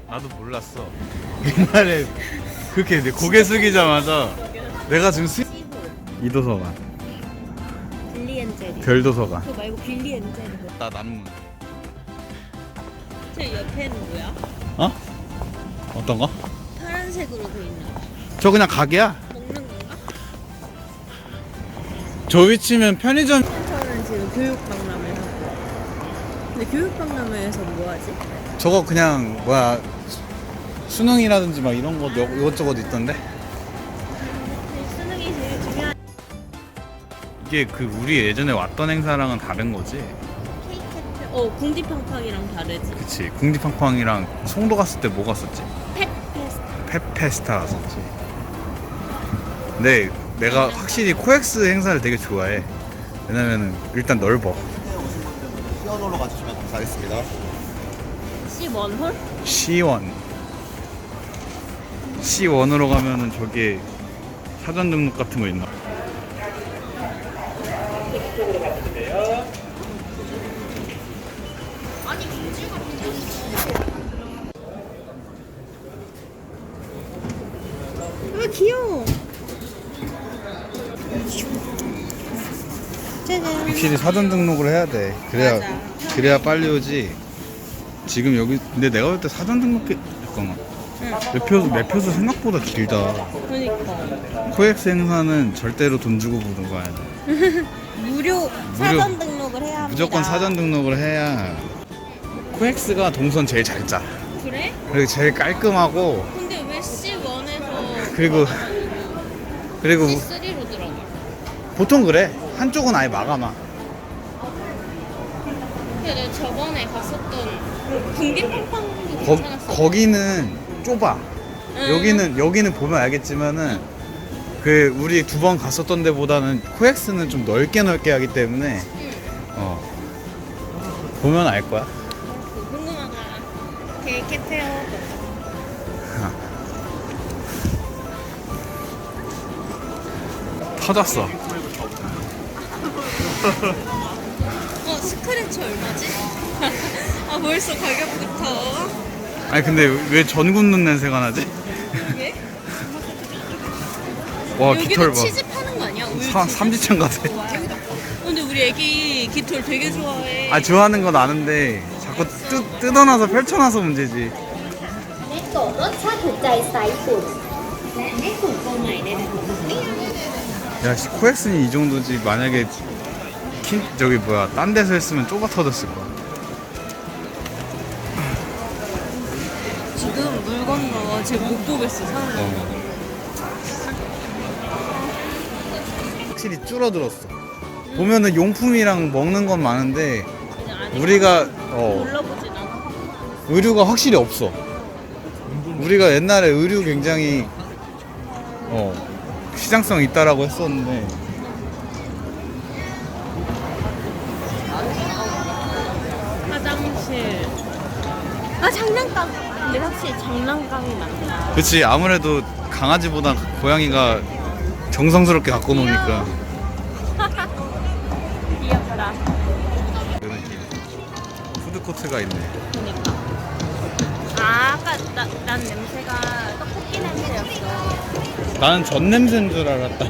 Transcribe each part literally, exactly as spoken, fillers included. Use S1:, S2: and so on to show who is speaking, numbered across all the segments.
S1: 나도 몰랐어. 옛날에 그렇게 내 고개 숙이자마자 내가 지금 수... 이도서관,
S2: 빌리 앤 제리.
S1: 별도서관.
S2: 그거 말고 빌리 앤 제리.
S1: 나 남문.
S2: 저 옆에는 뭐야?
S1: 어? 어떤 거?
S2: 파란색으로 돼 있는 거.
S1: 저 그냥 가게야.
S2: 먹는 건가?
S1: 저 위치면 편의점.
S2: 저는 지금 교육박람회 하고. 근데 교육박람회에서 뭐 하지?
S1: 저거 그냥 뭐야 수능이라든지 막 이런 거 여- 이것저것 있던데.
S2: 수능이 제일 중요한.
S1: 이게 그 우리 예전에 왔던 행사랑은 다른 거지.
S2: 케이크 캐fe. 어, 궁디팡팡이랑 다르지.
S1: 그치. 궁디팡팡이랑 송도 갔을 때 뭐 갔었지?
S2: 펫 페스트.
S1: 펫페스타 갔었지. 근데 내가 확실히 코엑스 행사를 되게 좋아해. 왜냐면은 일단 넓어.
S3: 시원홀로 가주시면 감사하겠습니다.
S2: 시원홀?
S1: 시원. 시원으로 가면은 저기 사전 등록 같은 거 있나?
S2: 아니, 김치가 아, 귀여워. 짜잔.
S1: 확실히 사전 등록을 해야 돼. 그래야
S2: 맞아.
S1: 그래야 빨리 오지. 지금 여기 근데 내가 볼 때 사전 등록 잠깐만.
S2: 응.
S1: 매표소 매표소 생각보다 길다.
S2: 그러니까.
S1: 코엑스 행사는 절대로 돈 주고 보는 거 아니야.
S2: 무료 사전 등록을 해야 합니다.
S1: 무조건 사전 등록을 해야. 코엑스가 동선 제일 잘 짜.
S2: 그래?
S1: 그리고 제일 깔끔하고
S2: 근데 왜 씨원에서
S1: 그리고 그리고
S2: 씨쓰리로 들어가?
S1: 보통 그래. 한쪽은 아예 막아놔.
S2: 근데 내가 저번에 갔었던 궁디팡팡도
S1: 거,
S2: 괜찮았어.
S1: 거기는 좁아.
S2: 응.
S1: 여기는 여기는 보면 알겠지만은 그 우리 두 번 갔었던 데보다는 코엑스는 좀 넓게 넓게 하기 때문에
S2: 응.
S1: 어 보면 알 거야.
S2: 궁금하다. 게 캐페어.
S1: 터졌어.
S2: 어, 스크래치 얼마지? 아, 벌써 가격부터.
S1: 아니 근데 왜 전 굽는 냄새가 나지?
S2: 이게?
S1: 와
S2: 여기도
S1: 깃털 봐.
S2: 치즈 파는 거 아니야? 우유
S1: 사,
S2: 치즈?
S1: 삼지창 같아.
S2: 근데 우리 애기 깃털 되게 좋아해.
S1: 아 좋아하는 건 아는데 자꾸 뜯, 뜯어놔서 펼쳐놔서 문제지.
S4: เนโกะรสชาติถูกใจสายญี่ปุ่นและเนโกะตัวใหม่ในระบบ
S1: 야 씨, 코엑스는 이 정도지. 만약에 킨 저기 뭐야 딴 데서 했으면 좁아 터졌을 거야.
S2: 지금 물건도 지금 못 보겠어, 사람.
S1: 어. 확실히 줄어들었어. 보면은 용품이랑 먹는 건 많은데 우리가 어
S2: 놀러보진 않아.
S1: 의류가 확실히 없어. 우리가 옛날에 의류 굉장히 어 시장성 있다라고 했었는데
S2: 화장실. 아, 장난감. 근데 확실히 장난감이 많다.
S1: 그치 아무래도 강아지보다 고양이가 정성스럽게 갖고 노니까
S2: 귀엽다.
S1: 그 느낌. 푸드코트가 있네.
S2: 그니까. 아, 아까 나, 난 냄새가 떡볶이 냄새였어.
S1: 나는 전 냄새인 줄 알았다.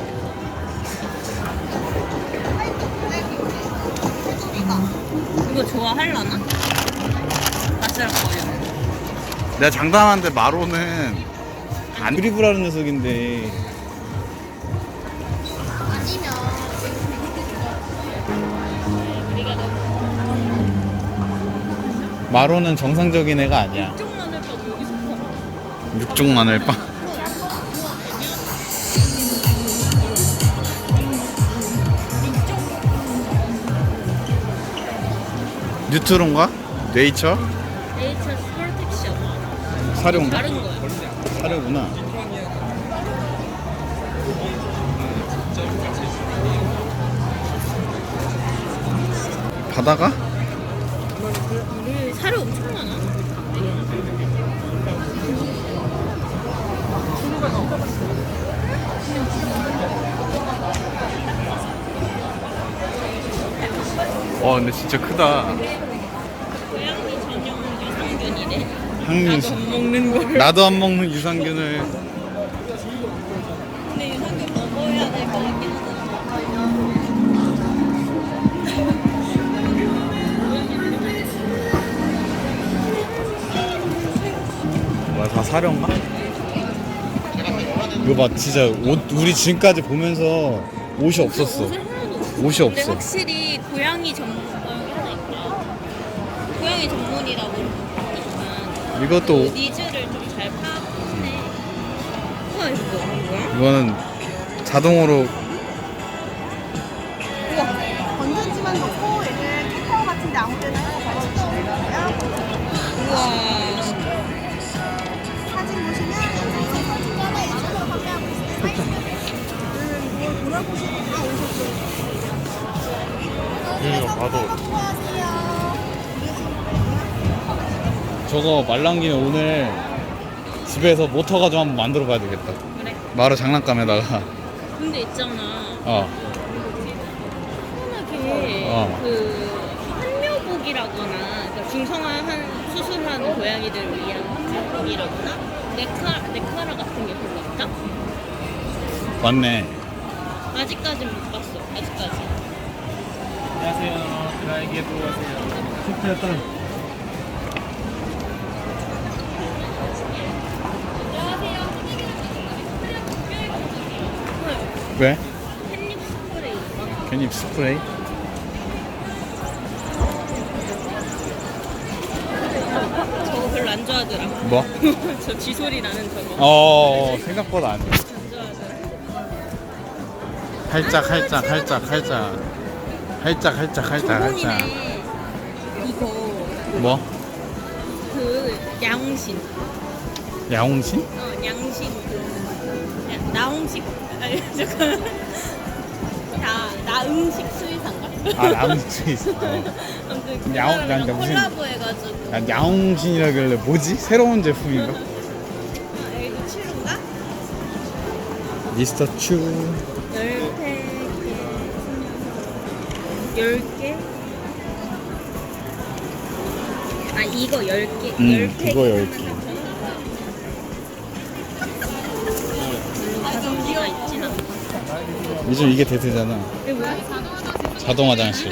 S2: 이거 좋아할라나? 아슬거려.
S1: 내가 장담하는데 마로는 안 드리블하는 녀석인데
S2: 우리가 너무
S1: 마로는 정상적인 애가 아니야.
S2: 쪽 마늘빵 여기서 팔아.
S1: 육종 마늘빵. 뉴트론가? 네이처?
S2: 네이처 프로텍션.
S1: 사료인가?
S2: 다른 거야.
S1: 사료구나. 바다가?
S2: 우리 사료 엄청 많아.
S1: 와 근데 진짜 크다.
S2: 고양이 전용 유산균이래.
S1: 항민수.
S2: 안 먹는 걸.
S1: 나도 안 먹는 유산균을.
S2: 근데 유산균 먹어야 될 것 같긴 하다.
S1: 뭐야, 다 사려인가? 이거 봐, 진짜 옷 우리 지금까지 보면서 옷이 없었어.
S2: 옷을 하나도 없어.
S1: 옷이
S2: 근데
S1: 없어.
S2: 확실히 고양이 전문 어, 여기 하나 있구나. 고양이 전문이라고 하니까
S1: 이것도
S2: 그 니즈를 좀 잘 파악하네. 우와 이거 뭐야?
S1: 이거는 자동으로
S5: 건전지만 놓고 얘를 키퍼 같은 데 아무 데나 해서 바로 주시면 되고요.
S2: 우와.
S5: 사진 보시면 사진 사진 하나 이쪽으로 판매하고 있습니다. 음, 이거 돌아보시면 다 오셨어요.
S1: 이거 봐도
S5: 수고하세요.
S1: 저거 말랑 김에 오늘 집에서 모터 가지고 한번 만들어 봐야 되겠다.
S2: 그래.
S1: 마루 장난감에다가.
S2: 근데 있잖아.
S1: 어.
S2: 편하게
S1: 어.
S2: 그 한묘복이라거나 그러니까 중성화한 수술하는 고양이들을 위한 한묘복이라거나 네카 네카라 같은 게 별로 없다?
S1: 맞네.
S2: 아직까진 못 봤어. 아직까지.
S6: 안녕하세요. 드라이기에 들어오세요.
S1: 왜?
S2: 캣닙 스프레이.
S1: 괜히 스프레이?
S2: 저거 별로 안 좋아하더라.
S1: 뭐?
S2: 저 쥐소리 나는 저거.
S1: 어, 생각보다 안 돼.
S2: 안 좋아하더라.
S1: 활짝, 활짝, 활짝, 활짝. 활짝, 활짝, 활짝, 활짝.
S2: 저번이네. 이거
S1: 뭐?
S2: 그 양신.
S1: 야옹신?
S2: 어, 양신 그 야, 나홍식 아니 잠깐 나 나음식 수의사인가?
S1: 아, 나옹신 있어. 어.
S2: 아무튼 그
S1: 야옹-
S2: 사람이랑
S1: 나 무슨-
S2: 콜라보해가지고
S1: 난 야옹신이라길래 뭐지? 새로운 제품인가?
S2: 아, 여기도 치루인가?
S1: 미스터 추.
S2: 열세 개, 열 개. 아 이거 열 개,
S1: 음,
S2: 열 개.
S1: 그거 열 개.
S2: 가성비가 있진 않아.
S1: 요즘 이게 대세잖아.
S2: 이게 뭐야?
S1: 자동 화장실.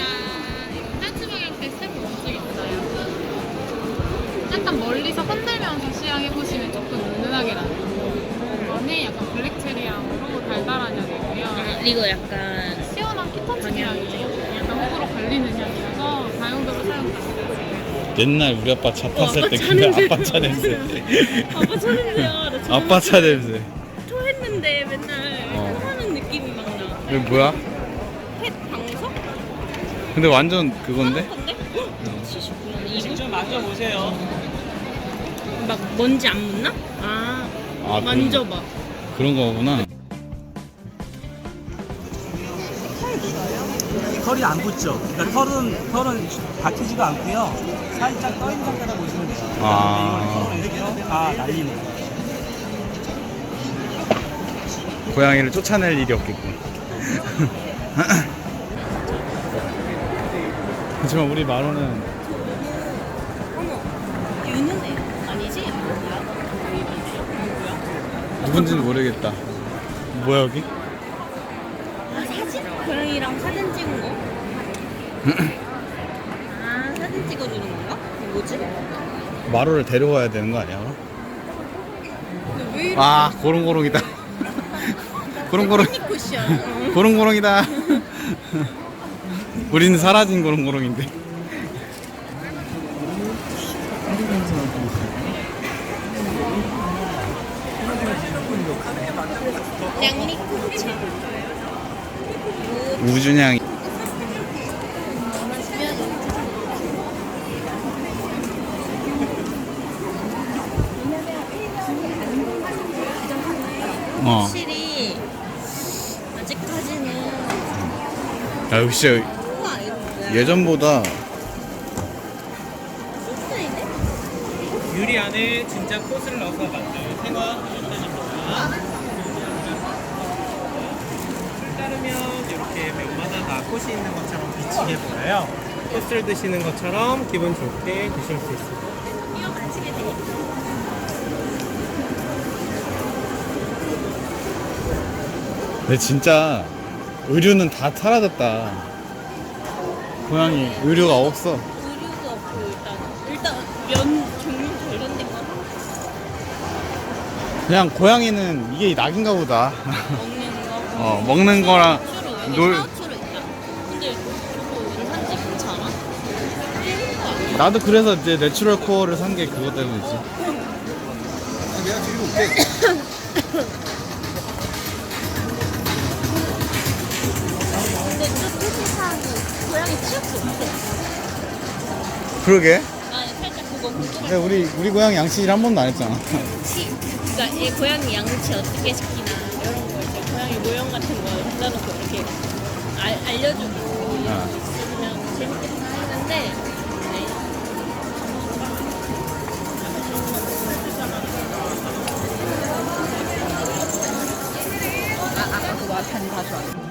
S7: 약간 멀리서 흔들면서 시향해보시면 조금 은은하게 나요. 안에 약간 블랙체리향으로 달달한 향이고요.
S2: 아, 이거 약간
S7: 시원한 키터치 향이에요. 약간 호불호 갈리는 향이라서 다용도로 사용 가능하세요.
S1: 옛날 우리 아빠 차 탔을
S2: 아빠
S1: 때
S2: 차
S1: 그게
S2: 냄새.
S1: 아빠 차 냄새.
S2: 아빠 차 냄새야. 나 저번에
S1: 아빠 차 냄새.
S2: 토했는데 맨날
S1: 어.
S2: 토하는 느낌이 막 나.
S1: 이거 뭐야?
S2: 펫 방석?
S1: 근데 완전 그건데?
S2: 근데? 칠십구 년
S6: 직접 만져보세요.
S2: 막 먼지 안 묻나? 아,
S1: 아,
S2: 만져봐.
S1: 그런 거구나.
S6: 털이 안 붙죠. 그러니까 털은 털은 박히지도 않고요. 살짝 떠 있는 상태라 보시면 돼요.
S1: 아.
S6: 근데 이걸 이렇게 다 날리는 거예요.
S1: 고양이를 쫓아낼 일이 없겠군. 하지만 우리 마루는
S2: 어머, 유는 애 아니지? 누구야?
S1: 누군지는 모르겠다. 뭐야 여기?
S2: 아, 사진? 고양이랑 사진 찍은 거? 아, 사진 찍어주는 건가? 이거 뭐지?
S1: 마루를 데려와야 되는 거 아니야?
S2: 근데 왜 이렇게
S1: 아, 고롱고롱이다. 고롱고롱.
S2: 쿠션.
S1: 고롱고롱이다. 우리는 사라진 고롱고롱인데.
S2: 양리쿠차.
S1: 우준양이. 어.
S2: 확실히 아직까지는
S1: 야, 역시
S2: 우와 이거 뭐야?
S1: 예전보다
S2: 소스이네?
S6: 유리 안에 진짜 꽃을 넣어서 만든 생화 유리입니다. 술 따르면 이렇게 벽마다 다 꽃이 있는 것처럼 비치게 보여요. 꽃을 드시는 것처럼 기분 좋게 드실 수 있습니다.
S2: 이거 마시게 되니까
S1: 근데 진짜 의류는 다 사라졌다. 고양이 의류가 없어.
S2: 의류도 없고 일단 일단 면 종류 관련된 거
S1: 그냥 고양이는 이게 낙인가 보다.
S2: 먹는 거.
S1: 어, 먹는 거랑
S2: 추루 여기
S1: 놀-
S2: 샤오추루 있다. 근데 저거 원산지 괜찮아? 일본 거 아니야?
S1: 나도 그래서 이제 내추럴 코어를 산 게 그것 때문이지.
S3: 내가 드리고 올게.
S2: 근데 또 퇴실사하고 고양이 치약도 없어.
S1: 그러게.
S2: 나 살짝 그거 궁금해.
S1: 근데 우리 우리 고양이 양치질 한 번도 안 했잖아.
S2: 치, 그러니까 얘 고양이 양치 어떻게 시키나 이런 거 이제 고양이 모형 같은 거 갖다 놓고 이렇게 알, 알려주고 이런 거 있으면 재밌겠다 했는데 네. 아, 아까 그거 앞에 다시 왔어.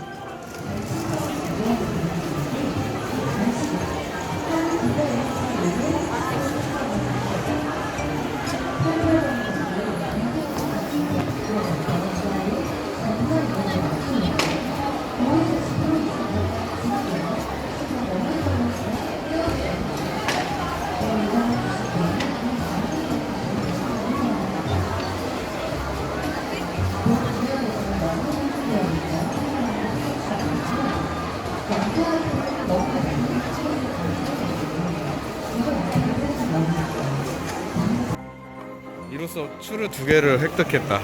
S1: 이로써 추르 두 개를 획득했다.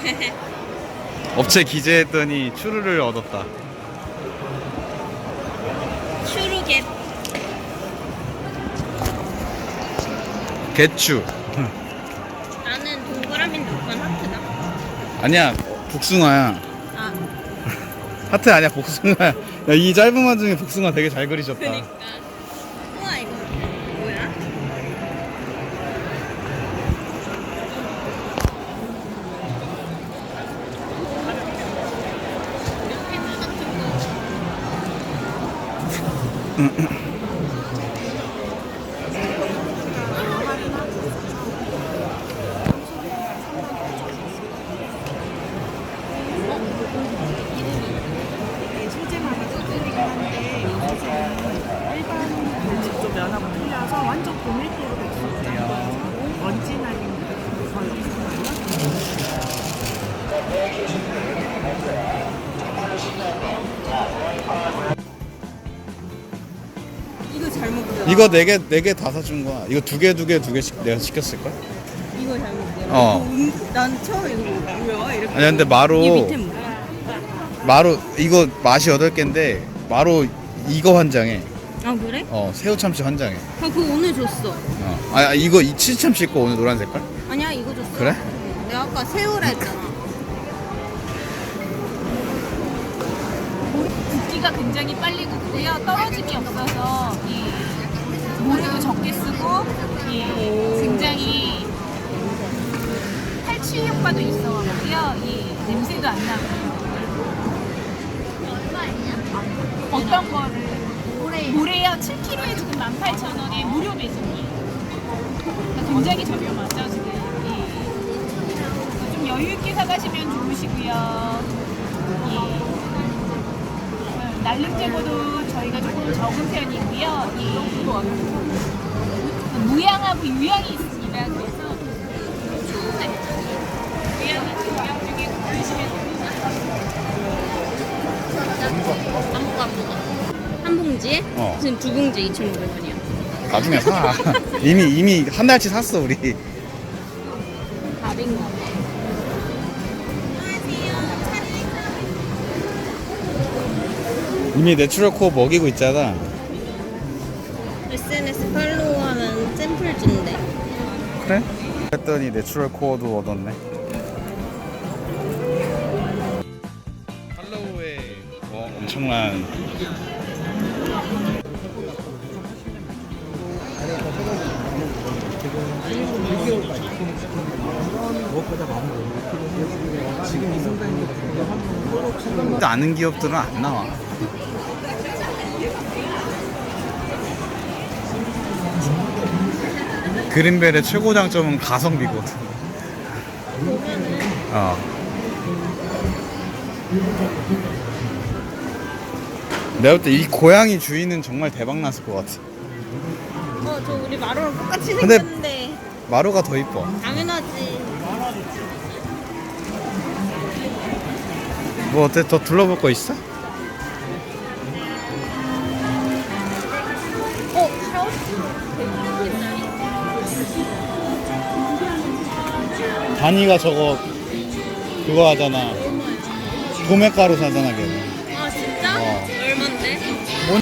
S1: 업체 기재했더니 추르를 얻었다.
S2: 슈루겟.
S1: 개추.
S2: 나는 동그라미인데 오빠는 하트다.
S1: 아니야, 복숭아야.
S2: 아,
S1: 하트 아니야, 복숭아야. 야, 이 짧은 와중에 복숭아 되게 잘 그리셨다.
S2: 그니까. 우와, 이거 뭐야? 펜 같은 거.
S8: 소재마다 소재이긴 한데 이 소재는 일반 벌집도 면하고 틀려서 완전 고밀도로 백수 짠 거여서 먼지 날리는 게 거의 없어요.
S2: 이거 잘못 들어.
S1: 이거 네 개, 네 개 다 사준 거야. 이거 두 개, 두 개, 두 개씩 내가 시켰을걸?
S2: 이거 잘못 들어.
S1: 어.
S2: 난 처음에 이거 뭐야? 이렇게.
S1: 아니, 근데 마로,
S2: 이 밑에 뭐야?
S1: 마로, 이거 맛이 여덟 개인데, 마로 이거 한 장에,
S2: 아, 그래?
S1: 어, 새우 참치 한 장에.
S2: 아, 그거 오늘 줬어.
S1: 어. 아, 이거 이 치즈 참치 있고 오늘 노란 색깔?
S2: 아니야, 이거 줬어.
S1: 그래?
S2: 내가 아까 새우라 했잖아.
S7: 붓기가 굉장히 빨리 굳고요. 떨어짐이 없어서 이 모래도 적게 쓰고 이 굉장히 탈취 효과도 있어가지고요. 이 냄새도 안 나고. 어떤 거를? 모래요. 칠 킬로그램에 지금 만 팔천 원에 무료 배송이에요. 그러니까 굉장히 저렴하죠 지금. 이. 좀 여유 있게 사가시면 좋으시고요. 이. 날름 제거도 저희가 조금 적은 편이고요. 이 무향하고 유향이 있습니다. 그래서 추운데 무향이 유향 중에 고르시면 됩니다.
S2: 아무거 아무거. 한 봉지에?
S1: 어.
S2: 지금 두 봉지에 이천오백 원이야.
S1: 나중에 사. 이미, 이미 한 달치 샀어, 우리.
S2: 밥인 거.
S1: 이미 내추럴 코어 먹이고 있잖아.
S2: 에스엔에스 팔로우하면 샘플 준대.
S1: 그래? 했더니 내추럴 코어도 얻었네. 팔로우에 뭐 엄청난 아는 기업들은 안 나와. 그린벨의 최고 장점은 가성비거든. 어. 내가 볼 때 이 고양이 주인은 정말 대박 났을 것 같아.
S2: 어, 저 우리 마루랑 똑같이
S1: 근데-
S2: 생겼는데.
S1: 마루가 더 이뻐.
S2: 당연하지.
S1: 뭐 어때? 더 둘러볼 거 있어?
S2: 어, 샤워실.
S1: 다니가 저거 그거 하잖아. 도매가루 사잖아 걔는.
S2: 아, 진짜?
S1: 어.
S2: 얼만데?
S1: 뭔?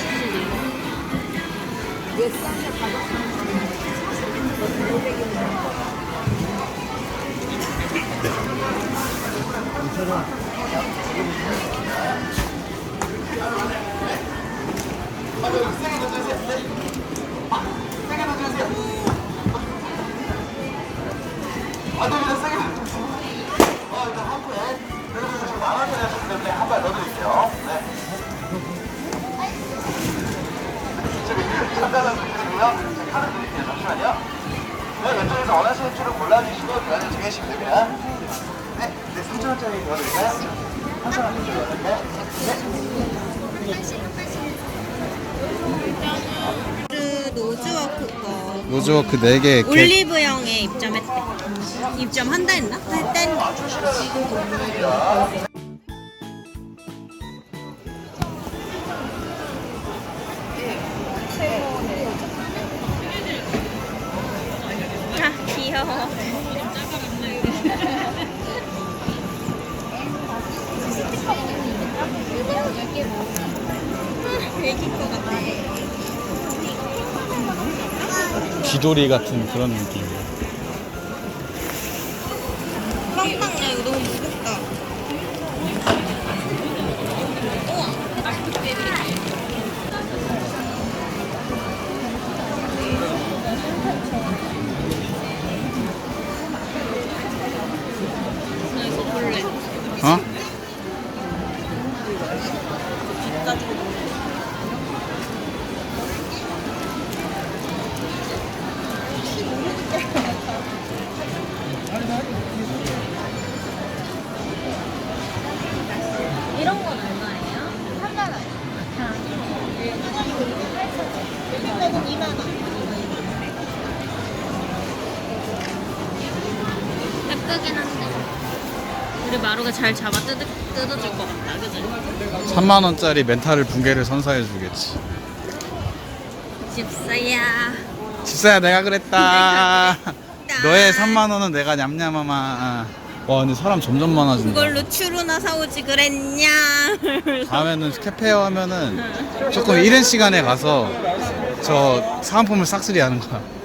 S3: 왼쪽에서 원하시는 줄을 골라주시고 교환을 정해주시면 됩니다. 네, 네, 삼천 원짜리 도와드릴까요? 삼천 원 도와드릴까요?
S2: 그 노즈워크 거.
S1: 노즈워크 네 개.
S2: 올리브영에 입점했대. 입점한다 했나? 했댄. 아, 귀여워. 애기 거 같아.
S1: 귀돌이 같은 그런 느낌.
S2: 빵빵, 야, 이거 너무 무겁다. 나 이거 볼래.
S1: 어?
S2: 이런 건 얼마예요?
S7: 삼만 원.
S2: 이거는 이만 원. 예쁘긴 한데 우리 마루가 잘 잡아 뜯, 뜯어줄 것 같다, 그지?
S1: 삼만 원짜리 멘탈을 붕괴를 선사해 주겠지.
S2: 집사야.
S1: 집사야 내가 그랬다.
S2: 내가 그랬다.
S1: 너의 삼만 원은 내가 냠냠하마. 와 근데 사람 점점 많아진다.
S2: 그걸로 추루나 사오지 그랬냐?
S1: 다음에는 캐페어 하면은 조금 이른 시간에 가서 저 사은품을 싹쓸이 하는 거야.